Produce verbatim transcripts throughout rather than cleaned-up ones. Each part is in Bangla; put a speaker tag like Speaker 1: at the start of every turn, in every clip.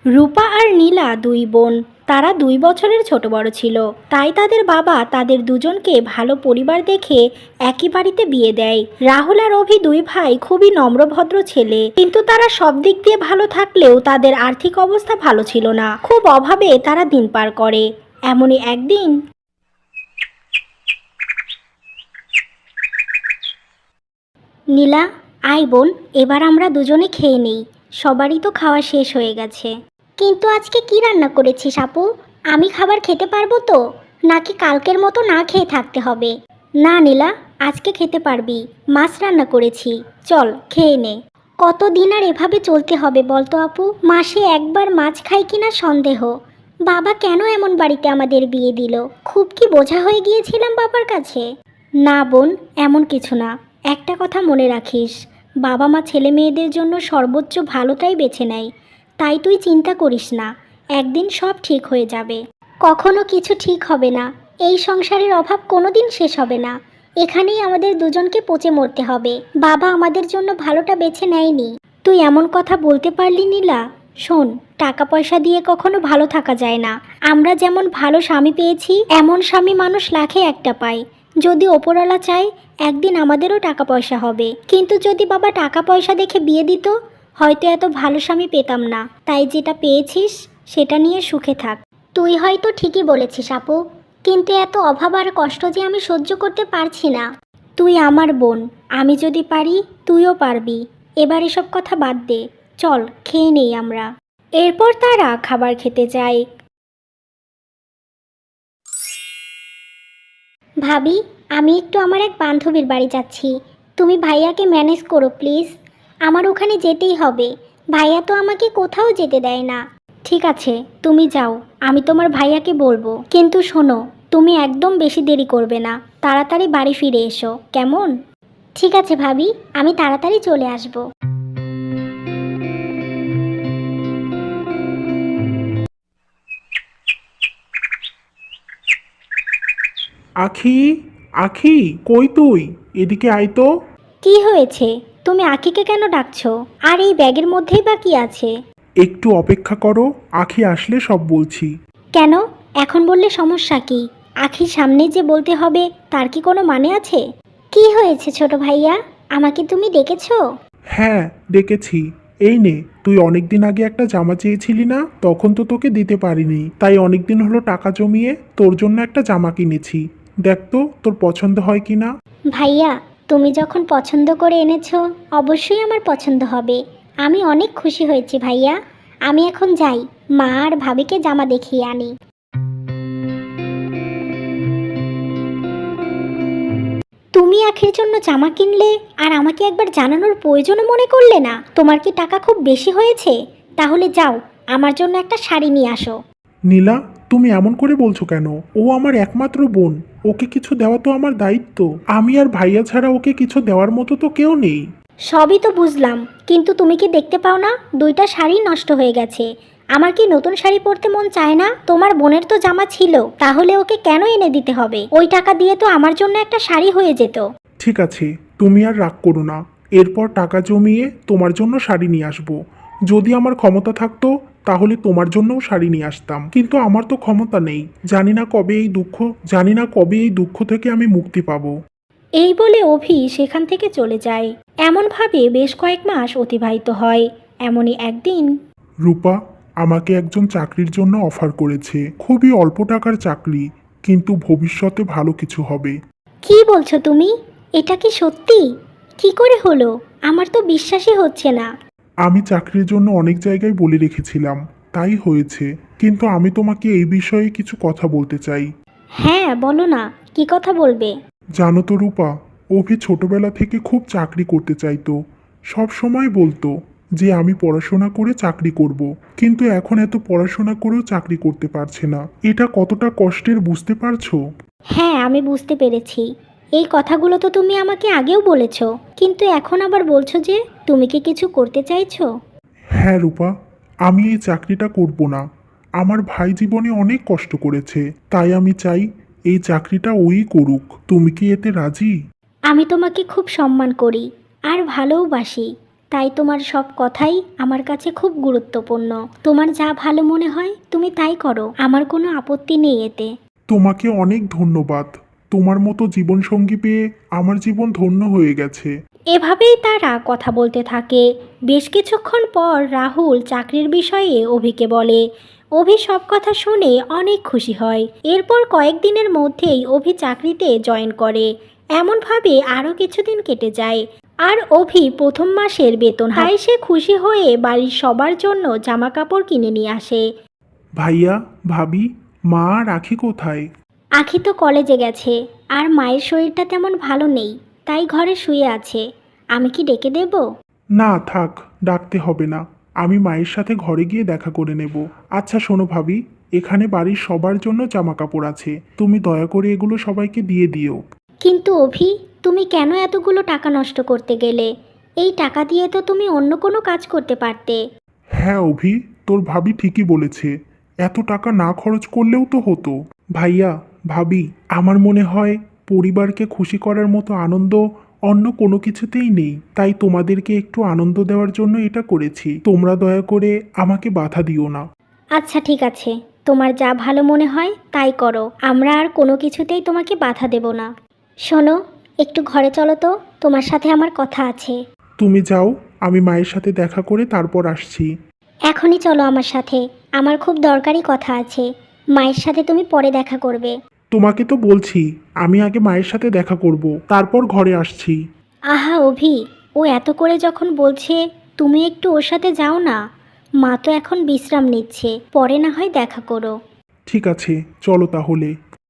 Speaker 1: রূপা আর নীলা দুই বোন। তারা দুই বছরের ছোট বড় ছিল, তাই তাদের বাবা তাদের দুজনকে ভালো পরিবার দেখে একই বাড়িতে বিয়ে দেয়। রাহুল আর অভি দুই ভাই খুবই নম্রভদ্র ছেলে, কিন্তু তারা সব দিক দিয়ে ভালো থাকলেও তাদের আর্থিক অবস্থা ভালো ছিল না। খুব অভাবে তারা দিন পার করে। এমনই একদিন নীলা, আয় বোন, এবার আমরা দুজনে খেয়ে নেই। সবারই তো খাওয়া শেষ হয়ে গেছে। কিন্তু আজকে কি রান্না করেছিস আপু? আমি খাবার খেতে পারবো তো, নাকি কালকের মতো না খেয়ে থাকতে হবে? না নীলা, আজকে খেতে পারবি। মাছ রান্না করেছি, চল খেয়ে নে। কতদিন আর এভাবে চলতে হবে বলতো আপু? মাসে একবার মাছ খাই কিনা সন্দেহ। বাবা কেন এমন বাড়িতে আমাদের বিয়ে দিল? খুব কি বোঝা হয়ে গিয়েছিলাম বাবার কাছে? না বোন, এমন কিছু না। একটা কথা মনে রাখিস, বাবা মা ছেলে মেয়েদের জন্য সর্বোচ্চ ভালোটাই বেছে নেয়। তাই তুই চিন্তা করিস না, একদিন সব ঠিক হয়ে যাবে। কখনো কিছু ঠিক হবে না। এই সংসারের অভাব কোনোদিন শেষ হবে না। এখানেই আমাদের দুজনকে পচে মরতে হবে। বাবা আমাদের জন্য ভালোটা বেছে নেয়নি। তুই এমন কথা বলতে পারলি নীলা? শোন, টাকা পয়সা দিয়ে কখনো ভালো থাকা যায় না। আমরা যেমন ভালো স্বামী পেয়েছি, এমন স্বামী মানুষ লাখে একটা পায়। যদি ওপরওয়ালা চায় একদিন আমাদেরও টাকা পয়সা হবে, কিন্তু যদি বাবা টাকা পয়সা দেখে বিয়ে দিত, হয়তো এত ভালো স্বামী পেতাম না। তাই যেটা পেয়েছিস সেটা নিয়ে সুখে থাক। তুই হয়তো ঠিকই বলেছিস আপু, কিন্তু এত অভাব আর কষ্ট যে আমি সহ্য করতে পারছি না। তুই আমার বোন, আমি যদি পারি তুইও পারবি। এবার এসব কথা বাদ দে, চল খেয়ে নেই আমরা। এরপর তারা খাবার খেতে যায়। ভাবি, আমি একটু আমার এক বান্ধবীর বাড়ি যাচ্ছি। তুমি ভাইয়াকে ম্যানেজ করো প্লিজ। আমার ওখানে যেতেই হবে। ভাইয়া তো আমাকে কোথাও যেতে দেয় না। ঠিক আছে, তুমি যাও, আমি তোমার ভাইয়াকে বলবো। কিন্তু শোনো, তুমি একদম বেশি দেরি করবে না। তাড়াতাড়ি বাড়ি ফিরে এসো, কেমন? ঠিক আছে ভাবি, আমি তাড়াতাড়ি চলে আসবো।
Speaker 2: আখি, আখি, কই তুই? এদিকে আয় তো।
Speaker 1: কি হয়েছে? তুমি আখিকে কেন ডাকছো? আর এই ব্যাগের মধ্যেই বা কি আছে?
Speaker 2: একটু অপেক্ষা করো, আখি আসলে সব বলছি।
Speaker 1: কেন? এখন বললে সমস্যা কি? আখির সামনে যে বলতে হবে তার কি কোনো মানে আছে? কি হয়েছে ছোট ভাইয়া? আমাকে তুমি ডেকেছো?
Speaker 2: হ্যাঁ, ডেকেছি। এই নে, তুই অনেকদিন আগে একটা জামা চেয়েছিলি না? তখন তো তোকে দিতে পারিনি, তাই অনেকদিন হলো টাকা জমিয়ে তোর জন্য একটা জামা কিনেছি। দেখ তো তোর পছন্দ হয় কি না।
Speaker 1: ভাইয়া, তুমি যখন পছন্দ করে এনেছো, অবশ্যই আমার পছন্দ হবে। আমি অনেক খুশি হয়েছি ভাইয়া। আমি এখন যাই, মা আর ভাবিকে জামা দেখিয়ে আনি। তুমি আখির জন্য জামা কিনলে আর আমাকে একবার জানানোর প্রয়োজনও মনে করলে না? তোমার কি টাকা খুব বেশি হয়েছে? তাহলে যাও, আমার জন্য একটা শাড়ি নিয়ে আসো।
Speaker 2: নীলা, তুমি এমন করে বলছো কেন? ও আমার একমাত্র বোন, ওকে কিছু দেওয়া তো আমার দায়িত্ব। আমি আর ভাইয়া ছাড়া ওকে কিছু দেওয়ার মতো তো কেউ নেই।
Speaker 1: সবই তো বুঝলাম, কিন্তু তুমি কি দেখতে পাও না দুইটা শাড়ি নষ্ট হয়ে গেছে? আমার কি নতুন শাড়ি পরতে মন চায় না? তোমার বোনের তো জামা ছিল, তাহলে ওকে কেন এনে দিতে হবে? ওই টাকা দিয়ে তো আমার জন্য একটা শাড়ি হয়ে যেত।
Speaker 2: ঠিক আছে, তুমি আর রাগ করো না। এরপর টাকা জমিয়ে তোমার জন্য শাড়ি নিয়ে আসবো। যদি আমার ক্ষমতা থাকতো তাহলে তোমার জন্যও শাড়ি নিয়ে আসতাম, কিন্তু আমার তো ক্ষমতা নেই। জানি না কবে এই দুঃখ জানি না কবে এই দুঃখ থেকে আমি মুক্তি পাবো।
Speaker 1: এই বলে অভি সেখান থেকে চলে যায়। এমনভাবে বেশ কয়েক মাস অতিবাহিত হয়। এমনই একদিন
Speaker 2: রূপা আমাকে একজন চাকরির জন্য অফার করেছে, খুবই অল্প টাকার চাকরি, কিন্তু ভবিষ্যতে ভালো কিছু হবে।
Speaker 1: কি বলছো তুমি? এটা কি সত্যি? কি করে হলো? আমার তো বিশ্বাসই হচ্ছে না।
Speaker 2: আমি চাকরির জন্য অনেক জায়গায় বলে রেখেছিলাম, তাই হয়েছে। কিন্তু আমি তোমাকে এই বিষয়ে কিছু কথা বলতে চাই।
Speaker 1: হ্যাঁ বলো না, কি কথা বলবে?
Speaker 2: জানো তো রূপা, অভি ছোটবেলা থেকে খুব চাকরি করতে চাইতো। সব সময় বলতো যে আমি পড়াশোনা করে চাকরি করব, কিন্তু এখন এত পড়াশোনা করেও চাকরি করতে পারছে না। এটা কতটা কষ্টের বুঝতে পারছো?
Speaker 1: হ্যাঁ, আমি বুঝতে পেরেছি। এই কথাগুলো তো তুমি আমাকে আগেও বলেছো, কিন্তু এখন আবার বলছো যে তুমি কি কিছু করতে চাইছো?
Speaker 2: হ্যাঁ রূপা, আমি এই চাকরিটা করব না। আমার ভাই জীবনে অনেক কষ্ট করেছে, তাই আমি চাই এই চাকরিটা ওই করুক। তুমি কি এতে রাজি?
Speaker 1: আমি তোমাকে খুব সম্মান করি আর ভালোবাসি, তাই তোমার সব কথাই আমার কাছে খুব গুরুত্বপূর্ণ। তোমার যা ভালো মনে হয় তুমি তাই করো, আমার কোনো আপত্তি নেই এতে।
Speaker 2: তোমাকে অনেক ধন্যবাদ। তোমার মতো জীবনসঙ্গী পেয়ে আমার জীবন ধন্য হয়ে গেছে।
Speaker 1: এভাবেই তারা কথা বলতে থাকে। বেশ কিছুক্ষণ পর রাহুল চাকরির বিষয়ে অভিকে বলে। অভি সব কথা শুনে অনেক খুশি হয়। এরপর কয়েকদিনের মধ্যেই অভি চাকরিতে জয়েন করে। এমনভাবে আরও কিছুদিন কেটে যায়। আর অভি প্রথম মাসের বেতন হাই সে খুশি হয়ে বাড়ির সবার জন্য জামা কাপড় কিনে নিয়ে আসে।
Speaker 2: ভাইয়া, ভাবি, মা আর রাখি কোথায়?
Speaker 1: আখি তো কলেজে গেছে, আর মায়ের শরীরটা তেমন ভালো নেই, তাই ঘরে শুয়ে আছে। আমি কি ডেকে দেব?
Speaker 2: না থাক, ডাকতে হবে না। আমি মায়ের সাথে ঘরে গিয়ে দেখা করে নেব। আচ্ছা শোনো ভাবি, এখানে বাড়ির সবার জন্য জামা কাপড় আছে, তুমি দয়া করে এগুলো সবাইকে দিয়ে দিও।
Speaker 1: কিন্তু অভি, তুমি কেন এতগুলো টাকা নষ্ট করতে গেলে? এই টাকা দিয়ে তো তুমি অন্য কোনো কাজ করতে পারতে।
Speaker 2: হ্যাঁ অভি, তোর ভাবি ঠিকই বলেছে, এত টাকা না খরচ করলেও তো হতো। ভাইয়া, ভাবি, আমার মনে হয় পরিবারকে খুশি করার মতো আনন্দ অন্য কোনো কিছুতেই নেই, তাই তোমাদেরকে একটু আনন্দ দেওয়ার জন্য এটা করেছি। তোমরা দয়া করে আমাকে বাধা দিও না।
Speaker 1: আচ্ছা ঠিক আছে, তোমার যা ভালো মনে হয় তাই করো, আমরা আর কোনো কিছুতেই তোমাকে বাধা দেব না। শোনো, একটু ঘরে চলো তো, তোমার সাথে আমার কথা আছে।
Speaker 2: তুমি যাও, আমি মায়ের সাথে দেখা করে তারপর আসছি।
Speaker 1: এখনই চলো আমার সাথে, আমার খুব দরকারি কথা আছে। মায়ের সাথে তুমি পরে দেখা করবে।
Speaker 2: তোমাকে তো বলছি আমি আগে মায়ের সাথে দেখা করব, তারপর ঘরে আসছি।
Speaker 1: আহা অভি, ও এত করে যখন বলছে, তুমি একটু ওর সাথে যাও না। মা তো এখন বিশ্রাম নিচ্ছে, পরে না হয় দেখা করো।
Speaker 2: ঠিক আছে, চলো তাহলে।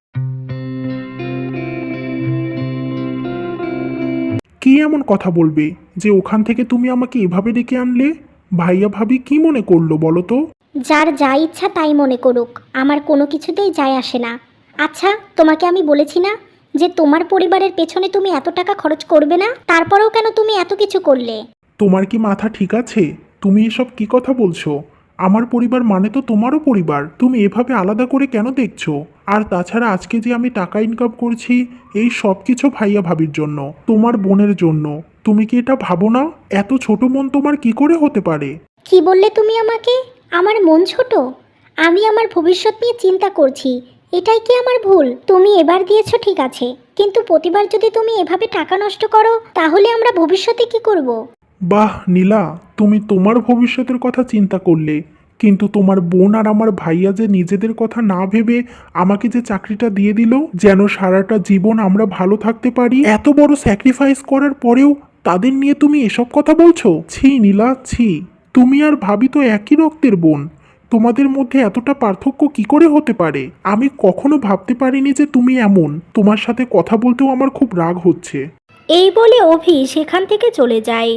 Speaker 2: কি এমন কথা বলবে যে ওখান থেকে তুমি আমাকে এভাবে ডেকে আনলে? ভাইয়া ভাবি কি মনে করলো বলো তো?
Speaker 1: যার যা ইচ্ছা তাই মনে করুক, আমার কোনো কিছুতেই যায় আসে না। আচ্ছা, তোমাকে আমি বলেছি না যে তোমার পরিবারের পেছনে তুমি এত টাকা খরচ করবে না, তারপরেও কেন তুমি এত কিছু করলে?
Speaker 2: তোমার কি মাথা ঠিক আছে? তুমি এসব কি কথা বলছো? আমার পরিবার মানে তো তোমারও পরিবার, তুমি এভাবে আলাদা করে কেন দেখছো? আর তাছাড়া আজকে যে আমি টাকা ইনকাম করছি, এই সব কিছু ভাইয়া ভাবির জন্য, তোমার বোনের জন্য। তুমি কি এটা ভাবো না? এত ছোট মন তোমার কি করে হতে পারে?
Speaker 1: কি বললে তুমি আমাকে? আমার মন ছোট? আমি আমার ভবিষ্যৎ নিয়ে চিন্তা করছি, এটাই কি আমার ভুল? তুমি এবার দিয়েছো ঠিক আছে, কিন্তু প্রতিবার যদি তুমি এভাবে টাকা নষ্ট করো, তাহলে আমরা ভবিষ্যতে কি করব?
Speaker 2: বাহ নীলা, তুমি তোমার ভবিষ্যতের কথা চিন্তা করলে, কিন্তু তোমার বোন আর আমার ভাইয়া যে নিজেদের কথা না ভেবে আমাকে যে চাকরিটা দিয়ে দিল যেন সারাটা জীবন আমরা ভালো থাকতে পারি, এত বড় স্যাক্রিফাইস করার পরেও তাদের নিয়ে তুমি এসব কথা বলছো? ছি নীলা, ছি। তুমি আর ভাবি তো একই রক্তের বোন, তোমাদের মধ্যে এতটা পার্থক্য কি করে হতে পারে? আমি কখনো ভাবতে পারিনি যে তুমি এমন। তোমার সাথে কথা বলতেও আমার খুব রাগ হচ্ছে।
Speaker 1: এই বলে অভি সেখান থেকে চলে যায়।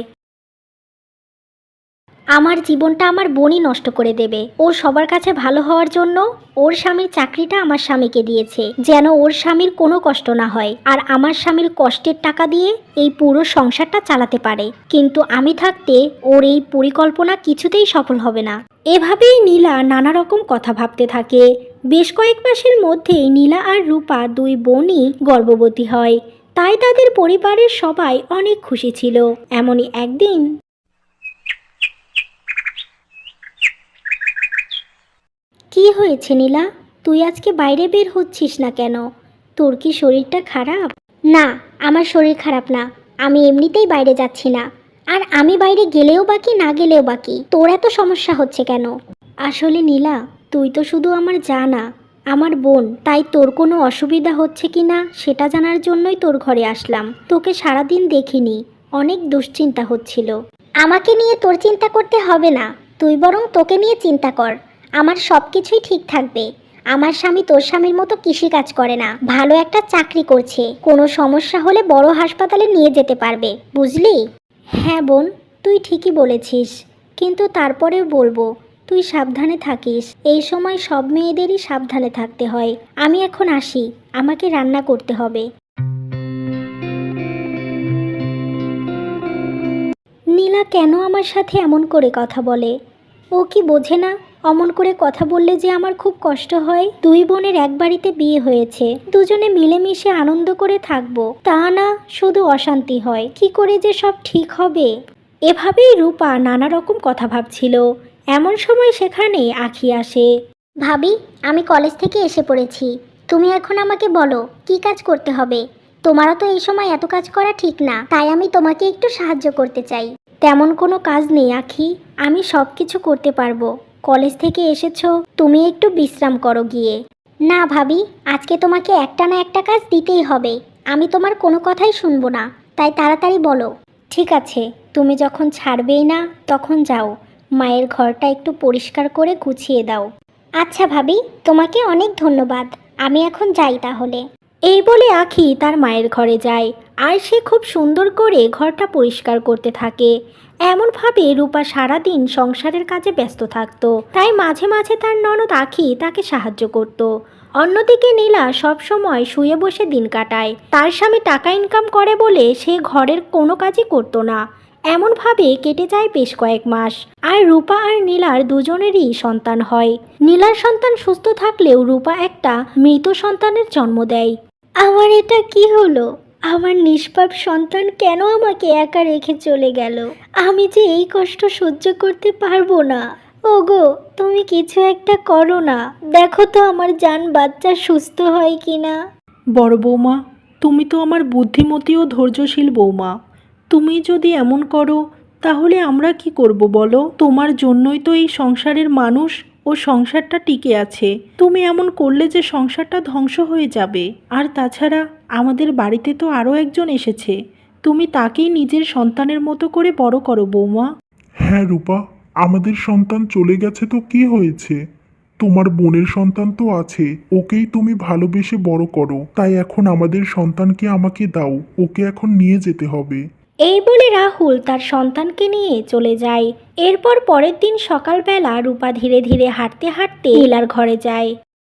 Speaker 1: আমার জীবনটা আমার বোনই নষ্ট করে দেবে। ও সবার কাছে ভালো হওয়ার জন্য ওর স্বামীর চাকরিটা আমার স্বামীকে দিয়েছে, যেন ওর স্বামীর কোনো কষ্ট না হয়, আর আমার স্বামীর কষ্টের টাকা দিয়ে এই পুরো সংসারটা চালাতে পারে। কিন্তু আমি থাকতে ওর এই পরিকল্পনা কিছুতেই সফল হবে না। এভাবেই নীলা নানা রকম কথা ভাবতে থাকে। বেশ কয়েক মাসের মধ্যেই নীলা আর রূপা দুই বোনই গর্ভবতী হয়। তাই তাদের পরিবারের সবাই অনেক খুশি ছিল। এমনই একদিন, কি হয়েছে নীলা? তুই আজকে বাইরে বের হচ্ছিস না কেন? তোর কি শরীরটা খারাপ? না, আমার শরীর খারাপ না, আমি এমনিতেই বাইরে যাচ্ছি না। আর আমি বাইরে গেলেও বাকি না গেলেও বাকি, তোর এত সমস্যা হচ্ছে কেন? আসলে নীলা, তুই তো শুধু আমার যা না, আমার বোন, তাই তোর কোনো অসুবিধা হচ্ছে কি না সেটা জানার জন্যই তোর ঘরে আসলাম। তোকে সারাদিন দেখিনি, অনেক দুশ্চিন্তা হচ্ছিল। আমাকে নিয়ে তোর চিন্তা করতে হবে না, তুই বরং তোকে নিয়ে চিন্তা কর। আমার সব কিছুই ঠিক থাকবে। আমার স্বামী তোর স্বামীর মতো কৃষিকাজ করে না, ভালো একটা চাকরি করছে। কোনো সমস্যা হলে বড় হাসপাতালে নিয়ে যেতে পারবে, বুঝলি? হ্যাঁ বোন, তুই ঠিকই বলেছিস, কিন্তু তারপরেও বলবো তুই সাবধানে থাকিস। এই সময় সব মেয়েদেরই সাবধানে থাকতে হয়। আমি এখন আসি, আমাকে রান্না করতে হবে। নীলা কেন আমার সাথে এমন করে কথা বলে? ও কি বোঝে না অমন করে কথা বললে যে আমার খুব কষ্ট হয়? দুই বোনের এক বাড়িতে বিয়ে হয়েছে, দুজনে মিলেমিশে আনন্দ করে থাকবো, তা না শুধু অশান্তি হয়। কি করে যে সব ঠিক হবে? এভাবেই রূপা নানা রকম কথা ভাবছিল। এমন সময় সেখানে আখি আসে। ভাবি, আমি কলেজ থেকে এসে পড়েছি। তুমি এখন আমাকে বলো কি কাজ করতে হবে। তোমারও তো এই সময় এত কাজ করা ঠিক না, তাই আমি তোমাকে একটু সাহায্য করতে চাই। তেমন কোনো কাজ নেই আখি, আমি সব কিছু করতে পারবো। কলেজ থেকে এসেছো, তুমি একটু বিশ্রাম করো গিয়ে। না ভাবি, আজকে তোমাকে একটা না একটা কাজ দিতেই হবে। আমি তোমার কোনো কথাই শুনবো না, তাই তাড়াতাড়ি বলো। ঠিক আছে, তুমি যখন ছাড়বেই না তখন যাও, মায়ের ঘরটা একটু পরিষ্কার করে গুছিয়ে দাও। আচ্ছা ভাবি, তোমাকে অনেক ধন্যবাদ। আমি এখন যাই তাহলে। এই বলে আখি তার মায়ের ঘরে যায়, আর সে খুব সুন্দর করে ঘরটা পরিষ্কার করতে থাকে। এমনভাবে রূপা সারাদিন সংসারের কাজে ব্যস্ত থাকতো, তাই মাঝে মাঝে তার ননদ আখি তাকে সাহায্য করত। অন্যদিকে নীলা সব সময় শুয়ে বসে দিন কাটায়। তার স্বামী টাকা ইনকাম করে বলে সে ঘরের কোনো কাজই করতো না। এমনভাবে কেটে যায় বেশ কয়েক মাস, আর রূপা আর নীলার দুজনেরই সন্তান হয়। নীলার সন্তান সুস্থ থাকলেও রূপা একটা মৃত সন্তানের জন্ম দেয়। আমার এটা কি হলো? আমার নিষ্পাপ সন্তান কেন আমাকে একা রেখে চলে গেল? আমি যে এই কষ্ট সহ্য করতে পারবো না। ওগো, তুমি কিছু একটা করো না, দেখো তো আমার জান বাচ্চা সুস্থ হয় কিনা।
Speaker 3: বড় বৌমা, তুমি তো আমার বুদ্ধিমতী ও ধৈর্যশীল বৌমা। তুমি যদি এমন করো তাহলে আমরা কি করব বলো? তোমার জন্যই তো এই সংসারের মানুষ ও সংসারটা টিকে আছে। তুমি এমন করলে যে সংসারটা ধ্বংস হয়ে যাবে। আর তাছাড়া আমাদের বাড়িতে তো আরও একজন এসেছে, তুমি তাকেই নিজের সন্তানের মতো করে বড় করো বৌমা।
Speaker 2: হ্যাঁ রূপা, আমাদের সন্তান চলে গেছে তো কি হয়েছে? তোমার বোনের সন্তান তো আছে, ওকেই তুমি ভালোবেসে বড় করো। তাই এখন আমাদের সন্তানকে আমাকে দাও, ওকে এখন নিয়ে যেতে হবে।
Speaker 1: এই বলে রাহুল তার সন্তানকে নিয়ে চলে যায়। এরপর পরের দিন সকালবেলা রূপা ধীরে ধীরে হাঁটতে হাঁটতে নীলার ঘরে যায়।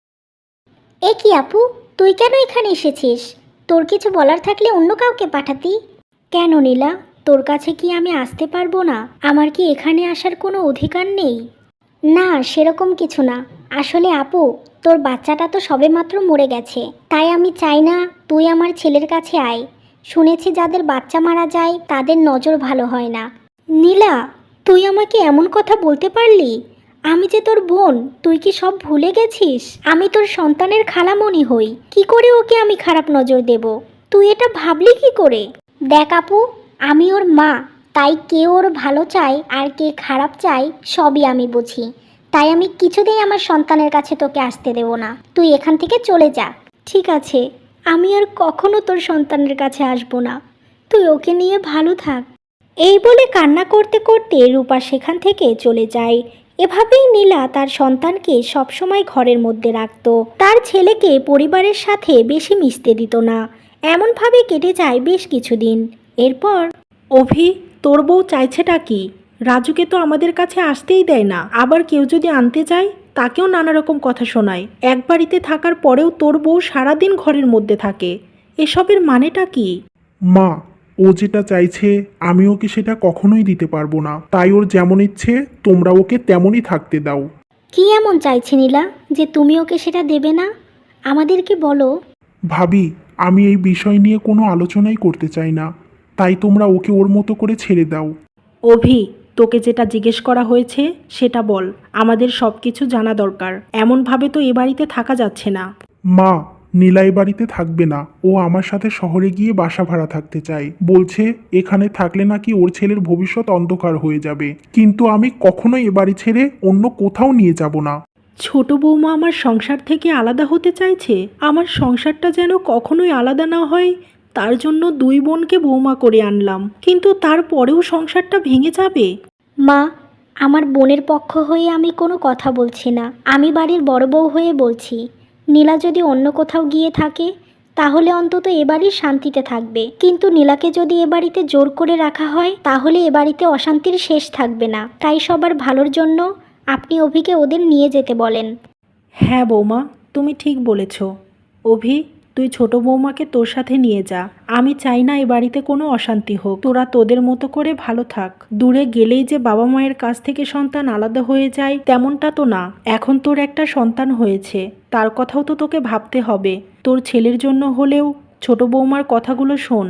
Speaker 1: এ কি আপু, তুই কেন এখানে এসেছিস? তোর কিছু বলার থাকলে অন্য কাউকে পাঠাতি। কেন নীলা, তোর কাছে কি আমি আসতে পারবো না? আমার কি এখানে আসার কোনো অধিকার নেই? না, সেরকম কিছু না। আসলে আপু, তোর বাচ্চাটা তো সবেমাত্র মরে গেছে, তাই আমি চাই না তুই আমার ছেলের কাছে আয়। শুনেছি যাদের বাচ্চা মারা যায় তাদের নজর ভালো হয় না। নীলা, তুই আমাকে এমন কথা বলতে পারলি? আমি যে তোর বোন, তুই কি সব ভুলে গেছিস? আমি তোর সন্তানের খালামণি হই, কি করে ওকে আমি খারাপ নজর দেব? তুই এটা ভাবলি কি করে? দেখ আপু, আমি ওর মা, তাই কে ওর ভালো চায় আর কে খারাপ চায় সবই আমি বুঝি। তাই আমি কিছুতেই আমার সন্তানের কাছে তোকে আসতে দেব না। তুই এখান থেকে চলে যা। ঠিক আছে, আমি আর কখনো তোর সন্তানের কাছে আসবো না। তুই ওকে নিয়ে ভালো থাক। এই বলে কান্না করতে করতে রূপা সেখান থেকে চলে যায়। এভাবেই নীলা তার সন্তানকে সবসময় ঘরের মধ্যে রাখত। তার ছেলেকে পরিবারের সাথে বেশি মিশতে দিত না। এমনভাবে কেটে যায় বেশ কিছুদিন। এরপর
Speaker 3: অভি, তোর বউ চাইছেটা কি? রাজুকে তো আমাদের কাছে আসতেই দেয় না, আবার কেউ যদি আনতে যায় তাকেও নানা রকম কথা শোনায়। এক বাড়িতে থাকার পরেও তোর বউ সারাদিন ঘরের মধ্যে থাকে, এসবের মানেটা কি?
Speaker 2: মা, ও যেটা চাইছে আমি ওকে সেটা কখনোই দিতে পারবো না। তাই ওর যেমন ইচ্ছে তোমরা ওকে তেমনই থাকতে দাও।
Speaker 1: কি এমন চাইছে নীলা যে তুমি ওকে সেটা দেবে না? আমাদেরকে বলো।
Speaker 2: ভাবি, আমি এই বিষয় নিয়ে কোনো আলোচনাই করতে চাই না, তাই তোমরা ওকে ওর মতো করে ছেড়ে দাও।
Speaker 3: অভি, তোকে যেটা জিজ্ঞেস করা হয়েছে সেটা বল, আমাদের সব কিছু জানা দরকার। এমনভাবে তো এ বাড়িতে থাকা যাচ্ছে না।
Speaker 2: মা, নীলাই বাড়িতে থাকবে না, ও আমার সাথে শহরে গিয়ে বাসা ভাড়া থাকতে চায়। বলছে এখানে থাকলে নাকি ওর ছেলের ভবিষ্যৎ অন্ধকার হয়ে যাবে। কিন্তু আমি কখনোই এ বাড়ি ছেড়ে অন্য কোথাও নিয়ে যাব না।
Speaker 3: ছোট বৌমা আমার সংসার থেকে আলাদা হতে চাইছে। আমার সংসারটা যেন কখনোই আলাদা না হয়, তার জন্য দুই বোনকে বৌমা করে আনলাম, কিন্তু তারপরেও সংসারটা ভেঙে যাবে।
Speaker 1: মা, আমার বোনের পক্ষ হয়ে আমি কোনো কথা বলছি না, আমি বাড়ির বড় বউ হয়ে বলছি। নীলা যদি অন্য কোথাও গিয়ে থাকে তাহলে অন্তত এ বাড়ির শান্তিতে থাকবে, কিন্তু নীলাকে যদি এ বাড়িতে জোর করে রাখা হয় তাহলে এ বাড়িতে অশান্তির শেষ থাকবে না। তাই সবার ভালোর জন্য আপনি অভিকে ওদের নিয়ে যেতে বলেন।
Speaker 3: হ্যাঁ বৌমা, তুমি ঠিক বলেছ। অভি, তুই ছোট বৌমাকে তোর সাথে নিয়ে যা। আমি চাই না এ বাড়িতে কোনো অশান্তি হোক। তোরা তোদের মতো করে ভালো থাক। দূরে গেলেই যে বাবা মায়ের কাছ থেকে সন্তান আলাদা হয়ে যায় তেমনটা তো না। এখন তোর একটা সন্তান হয়েছে, তার কথাও তো তোকে ভাবতে হবে। তোর ছেলের জন্য হলেও ছোট বৌমার কথাগুলো শোন।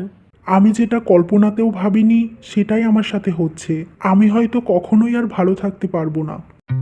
Speaker 2: আমি যেটা কল্পনাতেও ভাবিনি সেটাই আমার সাথে হচ্ছে। আমি হয়তো কখনোই আর ভালো থাকতে পারবো না।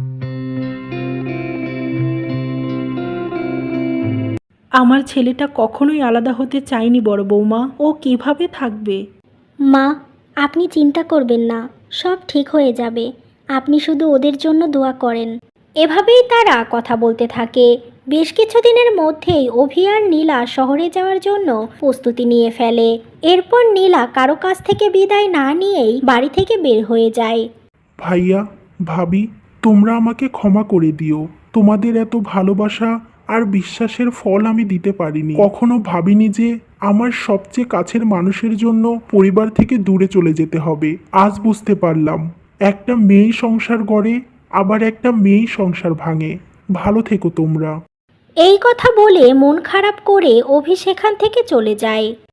Speaker 3: আমার ছেলেটা কখনোই আলাদা হতে চায়নি বড় বৌমা। ও কিভাবে থাকবে?
Speaker 1: মা, আপনি চিন্তা করবেন না, সব ঠিক হয়ে যাবে। আপনি শুধু ওদের জন্য দোয়া করেন। এভাবেই তারা কথা বলতে থাকে। বেশ কিছুদিনের মধ্যেই অভি আর নীলা শহরে যাওয়ার জন্য প্রস্তুতি নিয়ে ফেলে। এরপর নীলা কারো কাছ থেকে বিদায় না নিয়েই বাড়ি থেকে বের হয়ে যায়।
Speaker 2: ভাইয়া, ভাবি, তোমরা আমাকে ক্ষমা করে দিও। তোমাদের এত ভালোবাসা আর বিশ্বাসের ফল আমি দিতে পারিনি। কখনো ভাবিনি যে আমার সবচেয়ে কাছের মানুষের জন্য পরিবার থেকে দূরে চলে যেতে হবে। আজ বুঝতে পারলাম, একটা মেয়েই সংসার গড়ে, আবার একটা মেয়েই সংসার ভাঙে। ভালো থেকো তোমরা।
Speaker 1: এই কথা বলে মন খারাপ করে অভি সেখান থেকে চলে যায়।